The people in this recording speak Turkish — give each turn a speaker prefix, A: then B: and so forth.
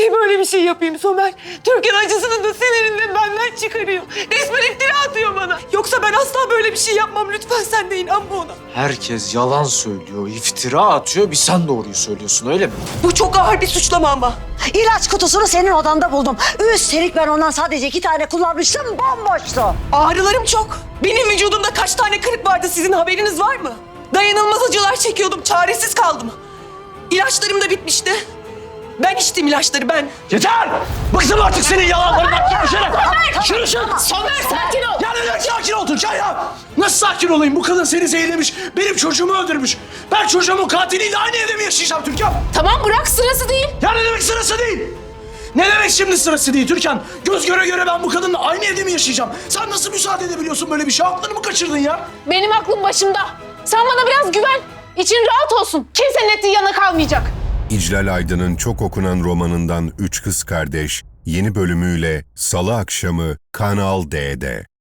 A: Niye böyle bir şey yapayım Somer? Türkan acısını da sinirini de benden çıkarıyor. Resmen iftira atıyor bana. Yoksa ben asla böyle bir şey yapmam. Lütfen sen de inanma ona.
B: Herkes yalan söylüyor, iftira atıyor. Bir sen doğruyu söylüyorsun öyle mi?
A: Bu çok ağır bir suçlama ama.
C: İlaç kutusunu senin odanda buldum. Üstelik ben ondan sadece 2 tane kullanmıştım, bomboştu.
A: Ağrılarım çok. Benim vücudumda kaç tane kırık vardı sizin haberiniz var mı? Dayanılmaz acılar çekiyordum. Çaresiz kaldım. İlaçlarım da bitmişti. Ben içtim ilaçları ben.
B: Yeter! Bıktım artık senin yalanlarından. Gel dışarı! Şunu
A: Somer sakin ol.
B: Ya neden sakin ol Türkan ya? Nasıl sakin olayım? Bu kadın seni zehirlemiş, benim çocuğumu öldürmüş. Ben çocuğumun katiliyle aynı evde mi yaşayacağım Türkan?
A: Tamam bırak sırası değil.
B: Ya ne demek sırası değil? Ne demek şimdi sırası değil Türkan? Göz göre göre ben bu kadınla aynı evde mi yaşayacağım? Sen nasıl müsaade edebiliyorsun böyle bir şey? Aklını mı kaçırdın ya?
D: Benim aklım başımda. Sen bana biraz güven. İçin rahat olsun. Kimsenin ettiği yana kalmayacak.
E: İclal Aydın'ın çok okunan romanından Üç Kız Kardeş yeni bölümüyle Salı akşamı Kanal D'de.